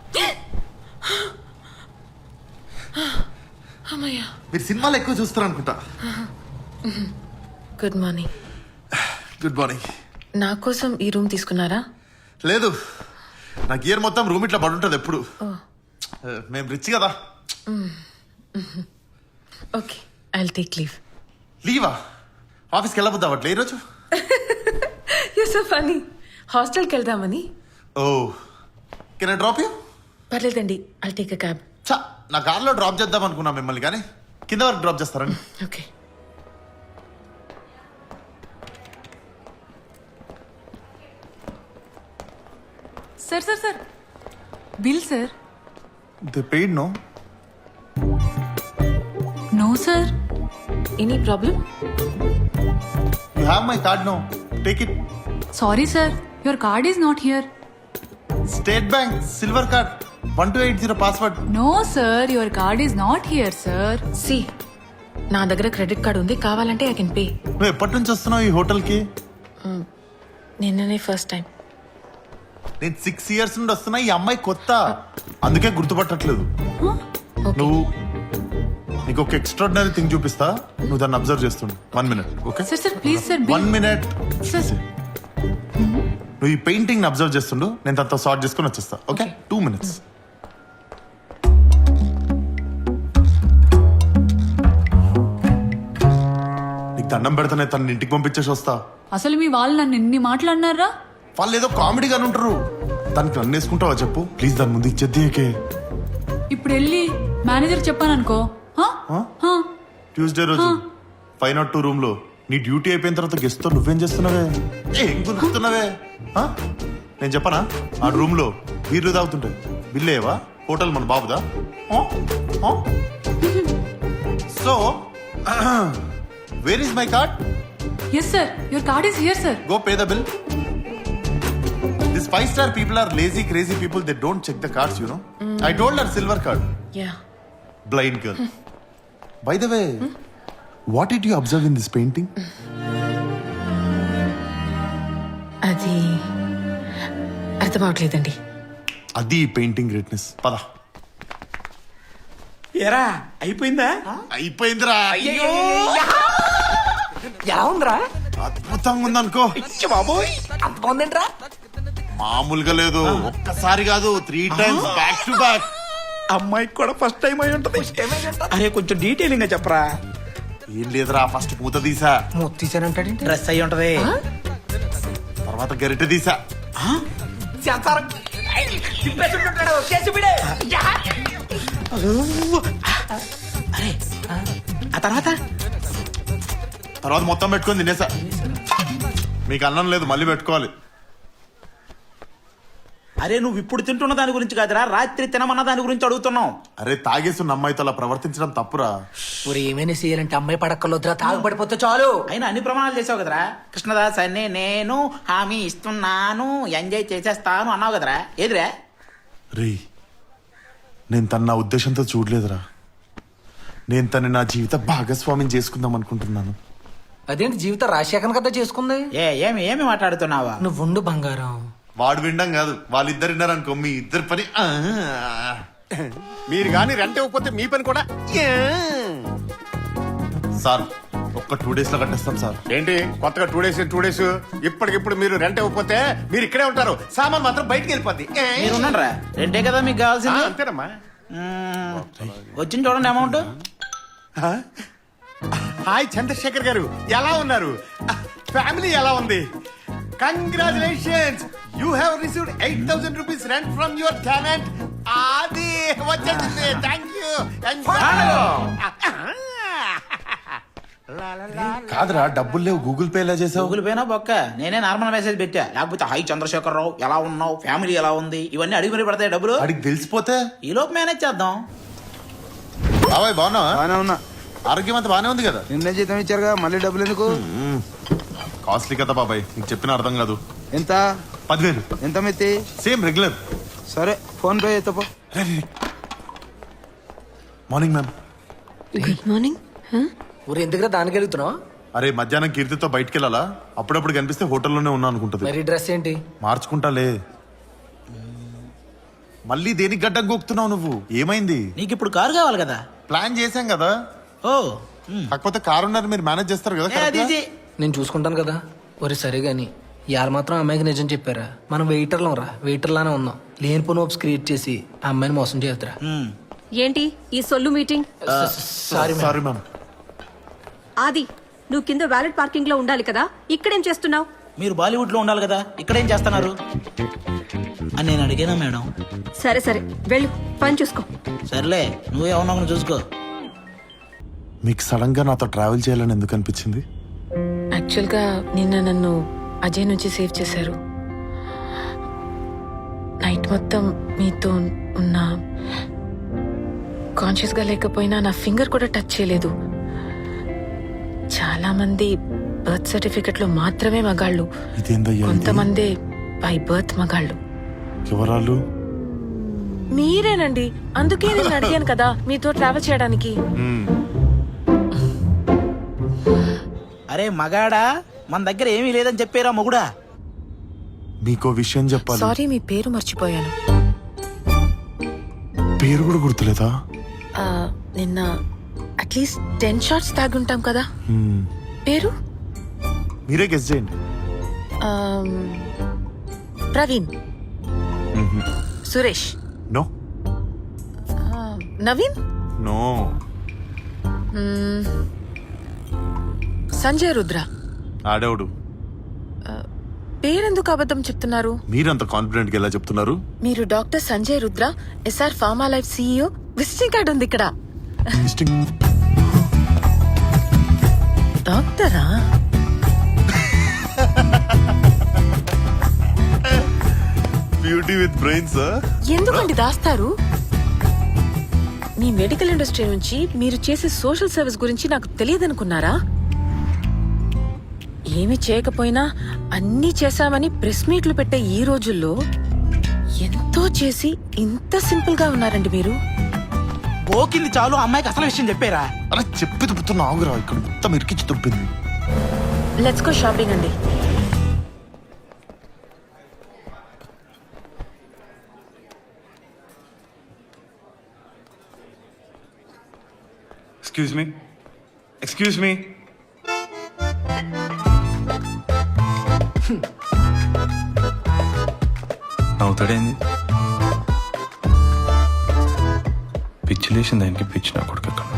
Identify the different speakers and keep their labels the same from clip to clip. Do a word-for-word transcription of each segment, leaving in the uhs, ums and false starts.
Speaker 1: అమ్మయ్యా.
Speaker 2: మీరు సినిమాలు ఎక్కువ చూస్తారు అనుకుంటా.
Speaker 1: Good morning.
Speaker 2: Good morning.
Speaker 1: నా కోసం ఈ రూమ్ తీసుకున్నారా?
Speaker 2: లేదు, నాకు ఇయర్ మొత్తం రూమ్ ఇట్లా పడి ఉంటుంది ఎప్పుడు. మేము రిచ్ కదా.
Speaker 1: Okay, I will take leave.
Speaker 2: లీవా? ఆఫీస్కి వెళ్ళబోద్దా అట్లా ఈరోజు?
Speaker 1: You so funny. హాస్టల్కి వెళ్దామని.
Speaker 2: Oh, can I drop you?
Speaker 1: పర్లేదండి, ఐ టేక్ అ క్యాబ్.
Speaker 2: చా, నా కార్లో డ్రాప్ చేద్దాం అనుకున్నా మిమ్మల్ని, కానీ కింద వరకు డ్రాప్ చేస్తారండి.
Speaker 1: Okay.
Speaker 3: Sir sir sir bill sir.
Speaker 2: They paid no?
Speaker 3: No sir.
Speaker 1: Any problem?
Speaker 2: You have my card no, take it.
Speaker 3: Sorry sir, your card is not here.
Speaker 2: State bank silver card, one two eight zero password.
Speaker 3: No sir, your card is not here sir.
Speaker 1: సి, నా దగ్గర credit card ఉంది, కావాలంటే I can pay.
Speaker 2: నువ్వు ఎప్పటి నుంచి వస్తున్నావు ఈ హోటల్కి?
Speaker 1: నిన్ననే ఫస్ట్ టైం.
Speaker 2: నేను సిక్స్ ఇయర్స్ నుండి వస్తున్నా, ఈ అమ్మాయి కొత్త, అందుకే గుర్తుపట్టట్లేదు.
Speaker 1: Okay.
Speaker 2: నువ్వు నీకు ఒక ఎక్స్ట్రాడినరీ థింగ్ చూపిస్తా, నువ్వు దాన్ని అబ్జర్వ్ చేస్తుండు. One minute. Okay
Speaker 3: sir sir please sir.
Speaker 2: One minute.
Speaker 3: Sir
Speaker 2: నువ్వు ఈ పెయింటింగ్ అబ్జర్వ్ చేస్తుండు, నేను తనతో సార్ట్ చేసుకుని వచ్చేస్తా. Okay, two minutes. నీకు దండం పెడతానే, తన ఇంటికి పంపించేసి వస్తా.
Speaker 3: అసలు మీ వాళ్ళు నన్ను ఎన్ని మాట్లాడినారా?
Speaker 2: వాళ్ళు ఏదో కామెడీగానే ఉంటారు. దానికి నన్ను వేసుకుంటావా చెప్పు ప్లీజ్, దాని ముందు ఇచ్చేద్దికే.
Speaker 3: ఇప్పుడు వెళ్ళి మేనేజర్ చెప్పాను అనుకో.
Speaker 2: ట్యూస్డే రోజు ఫైవ్ నాట్ టూ రూమ్ లో నీ డ్యూటీ అయిపోయిన తర్వాత గెస్ట్ తో నువ్వేం చేస్తున్నావే? ఏం గుర్తున్నావే? నేను చెప్పనా, ఆ రూమ్ లో బీర్లు తాగుతుంటాయి. బిల్లేవా? హోటల్ మన బాబుదా? So where is my card?
Speaker 3: Yes sir, your card is here sir.
Speaker 2: Go pay the bill. These five star people are lazy, crazy people. They don't check the cards, you know. Mm. I told her silver card.
Speaker 1: Yeah.
Speaker 2: Blind girl. By the way, mm? what did you observe in this painting?
Speaker 1: అది అర్థం అవట్లేదండి.
Speaker 2: అది painting greatness. పద.
Speaker 4: ఏరా అయిపోయిందా?
Speaker 2: అయిపోయిందిరా.
Speaker 4: అయ్యో ఎలా ఉందిరా?
Speaker 2: అద్భుతంగా ఉందనుకో.
Speaker 4: బాబోయ్ అంత బాగుందంట్రా.
Speaker 2: మామూలుగా లేదు, ఒక్కసారి కాదు, three times back to back.
Speaker 4: అమ్మాయికి కూడా ఫస్ట్ టైం అయి ఉంటది. అరే కొంచెం డీటెయిలింగ్ గా చెప్పరా.
Speaker 2: ఏం లేదురా, ఫస్ట్ పూత తీసా,
Speaker 4: తీసానంటాడు. డ్రెస్ అయి ఉంటది,
Speaker 2: తర్వాత గరిటె తీసా.
Speaker 4: అరే ఆ తర్వాత
Speaker 2: తర్వాత మొత్తం పెట్టుకొని తినేసా. మీకు అన్నం లేదు, మళ్ళీ పెట్టుకోవాలి.
Speaker 4: అరే నువ్వు ఇప్పుడు తింటున్న దాని గురించి కాదురా, రాత్రి తినమన్న దాని గురించి అడుగుతున్నావు.
Speaker 2: అరే తాగేస్తున్న అమ్మాయితో అలా ప్రవర్తించడం తప్పురా.
Speaker 5: ఊరు ఏమైనా చేయాలంటే అమ్మాయి పడక్కర్లొద్దురా, తాగుపడిపోతే చాలు.
Speaker 4: అయినా అన్ని ప్రమాణాలు చేసావు కదరా. కృష్ణదాస్ అని నేను హామీ ఇస్తున్నాను, ఎంజాయ్ చేసేస్తాను అన్నావు కదరా. ఏదిరా?
Speaker 2: రే, నేను తన నా ఉద్దేశంతో చూడలేదురా. నేను తన నా జీవిత భాగస్వామిని చేసుకుందాం అనుకుంటున్నాను.
Speaker 5: అదేంటి జీవితం రాజశేఖర్ కదా చేసుకుంది?
Speaker 4: ఏ ఏమి ఏమి మాట్లాడుతున్నావా?
Speaker 5: నువ్వు ఉండు బంగారం.
Speaker 2: వాడు వినడం కాదు, వాళ్ళిద్దరు విన్నారనుకో మీ ఇద్దరు పని.
Speaker 6: మీరు గాని రెంట్ ఇవ్వకపోతే మీ పని కూడా.
Speaker 2: సార్ ఒక్క టూ డేస్ లో కట్టేస్తాం సార్.
Speaker 6: ఏంటి కొత్తగా టూ డేస్ టూ డేస్ ఇప్పటికిప్పుడు మీరు రెంట్ ఇవ్వకపోతే మీరు ఇక్కడే ఉంటారు, సామాన్ మాత్రం బయటికి వెళ్ళిపోద్ది.
Speaker 4: మీరు ఉన్నారా? రెంటే కదా మీకు కావాల్సింది.
Speaker 6: అంతేనమ్మా.
Speaker 4: వచ్చింది చూడండి అమౌంట్.
Speaker 6: హాయ్ చంద్రశేఖర్ గారు, ఎలా ఉన్నారు? ఫ్యామిలీ ఎలా ఉంది? Congratulations, you have received eight thousand rupees rent from your tenant. అది వచ్చేసింది. Thank you.
Speaker 2: కాదురా, డబ్బులు లేవు, గూగుల్ పే ఎలా చేసావు?
Speaker 4: గూగుల్ పేనా బొక్క, నేనే నార్మల్ మెసేజ్ పెట్టా. లేకపోతే హై చంద్రశేఖర్ రావు ఎలా ఉన్నావు, ఫ్యామిలీ ఎలా ఉంది, ఇవన్నీ అడిగి మరి పడతాయి డబ్బులు.
Speaker 2: అడిగి తెలిసిపోతే
Speaker 4: ఈ లోపు మేనేజ్ చేద్దాం.
Speaker 2: బాబాయ్ బాగున్నావా?
Speaker 7: బానే ఉన్నా.
Speaker 2: ఆరోగ్యం అంతా బానే ఉంది కదా?
Speaker 7: నిన్న జీతం ఇచ్చారుగా, మళ్ళీ డబ్బులు ఎందుకు?
Speaker 2: కాస్ట్లీ కదా బాబాయ్, నీకు చెప్పిన అర్థం కాదు.
Speaker 7: ఎంత?
Speaker 2: పదివేలు.
Speaker 7: ఎంత మెత్తి?
Speaker 2: Same regular.
Speaker 7: సరే ఫోన్ పే చేస్తాపో.
Speaker 2: Morning ma'am.
Speaker 1: Good morning.
Speaker 5: ఊరు ఎందుకు దానికి వెళ్తున్నావు?
Speaker 2: అరే మధ్యాహ్నం కీర్తితో బయటికి వెళ్ళాలా, అప్పుడప్పుడు కనిపిస్తే హోటల్లోనే ఉన్నా అనుకుంటది.
Speaker 5: మరి డ్రెస్ ఏంటి?
Speaker 2: మార్చుకుంటాలే. మళ్ళీ దేనికి గడ్డం గోక్తున్నావు నువ్వు? ఏమైంది?
Speaker 4: నీకు ఇప్పుడు కారు కావాలి కదా.
Speaker 2: ప్లాన్ చేశాం కదా.
Speaker 4: ఓ
Speaker 2: కాకపోతే కారు ఉన్నారు, మీరు మేనేజ్ చేస్తారు కదా
Speaker 4: ఏ,
Speaker 2: correct
Speaker 4: అది
Speaker 2: గా?
Speaker 4: ఈజీ.
Speaker 5: నేను చూసుకుంటాను కదా. ఒరే సరే గాని ఇవాళ మాత్రం అమ్మాయికి నిజం చెప్పారా? మనం వెయిటర్లం రా, వెయిటర్లానే ఉన్నాం. లేనిపోని హోప్స్ క్రియేట్ చేసి ఆ అమ్మాయిని మోసం చేద్దరా.
Speaker 4: మ్మ్.
Speaker 8: ఏంటి ఈ సొల్లు మీటింగ్?
Speaker 5: Sorry
Speaker 2: sorry ma'am.
Speaker 8: ఆది, నువ్వు కింద వ్యాలెట్ పార్కింగ్ లో ఉండాలి కదా, ఇక్కడేం చేస్తున్నావు?
Speaker 4: మీరు బాలీవుడ్ లో ఉండాలి కదా, ఇక్కడ ఏం చేస్తున్నారు అని నేను అడిగానా మేడం?
Speaker 8: సరే సరే వెళ్ళు, పని చూసుకో.
Speaker 4: సర్లే, నువ్వే అవునా చూసుకో.
Speaker 2: మీకు సడన్ గా నాతో ట్రావెల్ చేయాలని ఎందుకు అనిపించింది?
Speaker 1: యాక్చువల్గా నిన్న నన్ను అజయ్ నుంచి సేవ్ చేశారు. నైట్ మొత్తం మీతో ఉన్న కాన్షియస్గా లేకపోయినా నా ఫింగర్ కూడా టచ్ చేయలేదు. చాలా మంది బర్త్ సర్టిఫికెట్ లో మాత్రమే మగాళ్ళు,
Speaker 2: ఇదేందయ్యా ఇది?
Speaker 1: కొంతమంది బై బర్త్ మగాళ్ళు.
Speaker 2: ఎవరాలు?
Speaker 1: మీరేనండి, అందుకే నేను అడిగాను కదా మీతో ట్రావెల్ చేయడానికి.
Speaker 2: మ్మ్.
Speaker 4: అరే మగాడా, మన దగ్గర ఏమీ లేదని చెప్పారా మొగుడా?
Speaker 2: మీకో విషయం చెప్పాలి.
Speaker 1: సారీ, మీ పేరు మర్చిపోయాను.
Speaker 2: పేరు కూడా గుర్తులేదా?
Speaker 1: ఆ, నిన్న అట్లీస్ట్ టెన్ షార్ట్స్ తాగుంటాం కదా.
Speaker 2: మ్మ్.
Speaker 1: పేరు
Speaker 2: మీరే గెస్ చేయండి.
Speaker 1: ఆమ్, ప్రవీణ్,
Speaker 2: మ్మ్.
Speaker 1: సురేష్,
Speaker 2: నో
Speaker 1: ఆ, నవీన్,
Speaker 2: నో
Speaker 1: మ్మ్, సంజయ్ రుద్ర.
Speaker 2: ఆడేవుడు.
Speaker 1: పేరెందుకు అబద్ధం చెప్తున్నారు?
Speaker 2: మీరంత కాన్ఫిడెంట్ గా ఎలా చెప్తున్నారు?
Speaker 1: మీరు doctor Sanjay Rudra, SR pharma life CEO. Visiting card ఉంది ఇక్కడ.
Speaker 2: Distinct-
Speaker 1: డాక్టరా?
Speaker 2: Beauty with brains.
Speaker 1: ఎందుకండి దాస్తారు? మీ మెడికల్ ఇండస్ట్రీ నుంచి మీరు చేసే సోషల్ సర్వీస్ గురించి నాకు తెలియదనుకున్నారా? ఏమి చేయకపోయినా అన్నీ చేశామని ప్రెస్ మీట్లు పెట్టే ఈ రోజుల్లో ఎంతో చేసి ఇంత సింపుల్ గా ఉన్నారండి మీరు.
Speaker 4: పోకింది చాలు, అమ్మాయికి అసలు విషయం చెప్పారా?
Speaker 2: అలా చెప్పి దుబ్బుతున్నా ఆగురా, ఇక్కడ మొత్తం ఇరికించి దుబ్బింది.
Speaker 1: లెట్స్ గో షాపింగ్ అండి.
Speaker 9: Excuse me. Excuse me. నవ్వుతాడేంది? పిచ్చి లేచింది దానికి, పిచ్చి నా కొడుకు ఎక్కడ.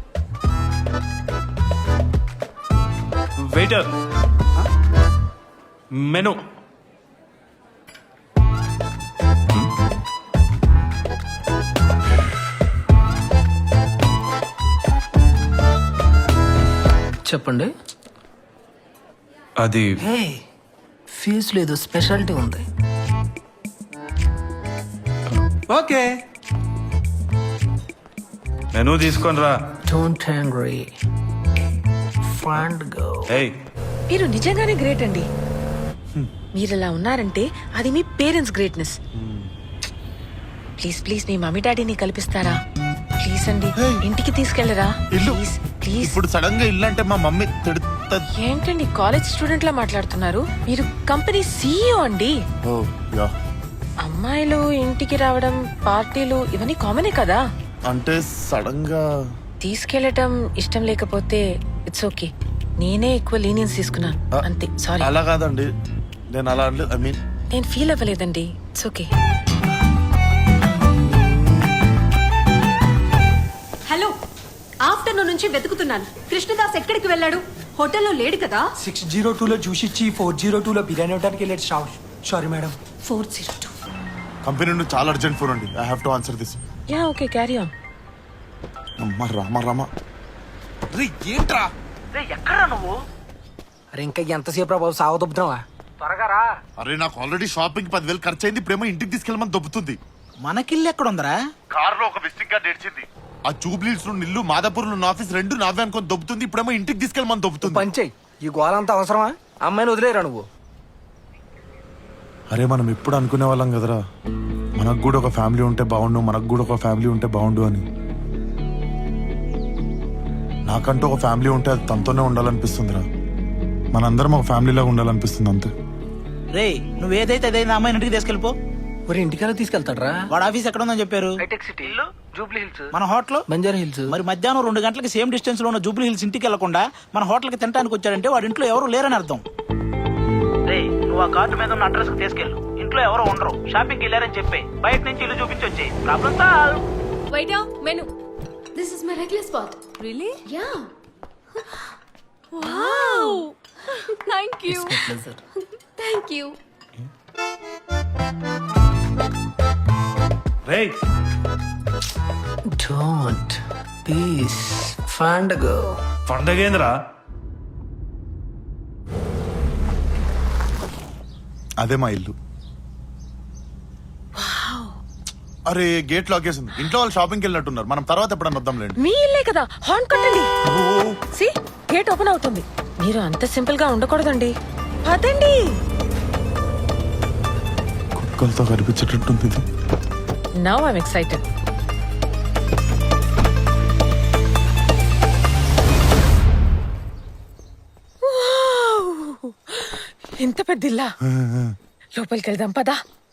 Speaker 9: Waiter, menu.
Speaker 5: చెప్పండి.
Speaker 9: అది
Speaker 5: హే, ఫీజు లేదు, స్పెషాలిటీ ఉంది.
Speaker 9: ఓకే, మెను తీసుకొని రా.
Speaker 5: Don't hangry fund go.
Speaker 9: ఏయ్,
Speaker 1: మీరు నిజంగానే గ్రేట్ అండి. మీరు ఇలా ఉన్నారంటే అది మీ పేరెంట్స్ గ్రేట్నెస్. ప్లీజ్ ప్లీజ్ మీ మమ్మీ డాడీని కల్పిస్తారా? ప్లీజ్ అండి, ఇంటికి తీసుకెళ్లరా?
Speaker 2: ఇల్లు
Speaker 1: ప్లీజ్ ప్లీజ్.
Speaker 2: ఇప్పుడు సడన్ గా ఇల్లు అంటే మా మమ్మీ తిడుతుంది.
Speaker 1: ఏంటండి కాలేజ్ స్టూడెంట్ లా మాట్లాడుతున్నారు? మీరు కంపెనీ సీఈఓ అండి.
Speaker 2: Oh yeah.
Speaker 1: అమ్మాయిలు ఇంటికి రావడం, పార్టీలు ఇవన్నీ కామనే కదా.
Speaker 2: అంటే సడన్ గా
Speaker 1: తీసుకెళ్లటం ఇష్టం లేకపోతే ఇట్స్ ఓకే. నేనే ఎక్కువ లీనియన్స్ తీసుకున్నాను
Speaker 2: ఆ,
Speaker 1: అంతే. సారీ.
Speaker 2: అలా కాదండి, నేను అలా అనలేదు. ఐ మీన్
Speaker 1: నేను ఫీల్ అవ్వలేదండి. It's okay.
Speaker 8: హలో, ఆఫ్టర్నూన్ నుంచి వెతుకుతున్నాను. కృష్ణదాస్ ఎక్కడికి వెళ్ళాడు? హోటల్లో లేడు కదా.
Speaker 10: సిక్స్ జీరో టూలో చూసిచ్చి ఫోర్ జీరో టూలో బిర్యానీ ఇవ్వడానికి వెళ్ళాడు. Sorry madam.
Speaker 8: Four zero two.
Speaker 2: Company నుండి చాలా అర్జెంట్ ఫోన్ అండి. I have to answer this.
Speaker 1: Yeah okay, carry on.
Speaker 2: అమ్మ రామ రామ.
Speaker 6: రే ఏంట్రా?
Speaker 4: ఎక్కడ నువ్వు?
Speaker 5: అరే ఇంకా ఎంతసేపు రా బాబు, సాగు దొబ్బుతున్నావా? త్వరగా రా.
Speaker 2: అరే నాకు ఆల్రెడీ షాపింగ్ పదివేలు ఖర్చు అయింది, ఇప్పుడేమో ఇంటికి తీసుకెళ్ళమని దొబ్బుతుంది.
Speaker 4: మనకిల్లు ఎక్కడుందరా?
Speaker 2: కార్ లో ఒక విజిటింగ్ కార్డ్ ఏడ్చింది. ఆ జూబ్లీస్ నుండి ఇల్లు, మాదాపూర్ లో ఆఫీస్ రెండు నావే అనుకొని దొబ్బుతుంది. ఇప్పుడేమో ఇంటికి తీసుకెళ్ళమని దొబ్బుతుంది.
Speaker 5: పంచేయి, ఈ గోలంతా అవసరమా? అమ్మాయిని వదిలేరా నువ్వు?
Speaker 2: అరే మనం ఎప్పుడు అనుకునే వాళ్ళం కదరా, మనకు కూడా ఒక ఫ్యామిలీ ఉంటే బాగుండు, మనకు కూడా ఒక ఫ్యామిలీ ఉంటే బాగుండు అని. నాకంటూ ఒక ఫ్యామిలీ ఉంటే అది తనతోనే ఉండాలనిపిస్తుందిరా. మనందరం ఒక ఫ్యామిలీలాగా ఉండాలనిపిస్తుంది అంతే.
Speaker 4: రే, నువ్వేదైతే అదైనా అమ్మాయిని ఇంటికి తీసుకెళ్ళిపో.
Speaker 5: మరి ఇంటికల్లా తీసుకెళ్తాడ్రా?
Speaker 4: వాడు ఆఫీస్ ఎక్కడ ఉందని చెప్పారు?
Speaker 5: జూబ్లీ హిల్స్,
Speaker 4: మన హోటల్
Speaker 5: బంజారా హిల్స్.
Speaker 4: మరి మధ్యాహ్నం రెండు గంటలకి సేమ్ డిస్టెన్స్ లో ఉన్న జూబ్లీ హిల్స్ ఇంటికి వెళ్లకుండా మన హోటల్ కి తినడానికి వచ్చాడంటే వాడి ఇంట్లో ఎవరు లేరని అర్థం. నువ్వు ఆ కార్డు మీద ఉన్న అడ్రస్ కి తీసుకెళ్ళు. ఇంట్లో ఎవరు ఉండరు, షాపింగ్ వెళ్ళారని చెప్పి బయట నుంచి ఇల్లు చూపించి వచ్చి problem solve.
Speaker 8: Waiter, menu. This is my regular spot. Really? Yeah. Wow. Thank you. Thank you.
Speaker 9: రేయ్
Speaker 5: డోంట్ పీస్ ఫాండగో.
Speaker 9: పండగేంద్రా?
Speaker 2: అదే మా ఇల్లు. అరే గేట్ లాక్ చేసింది. ఇంట్లో వాళ్ళు షాపింగ్కి వెళ్ళినట్టున్నారు. మనం తర్వాత ఎప్పుడన్నా వద్దాంలేండి.
Speaker 1: మీ ఇల్లే కదా, హార్న్ కొట్టండి. సి గేట్ ఓపెన్ అవుతుంది. మీరు అంత సింపుల్ గా ఉండకూడదండి. పదండి.
Speaker 2: కుక్కలతో కనిపించేటట్టుంది ఇది.
Speaker 1: Now I'm excited. ఇంత పెద్ద ఇల్లా? లోపలికి వెళ్దాం పదా.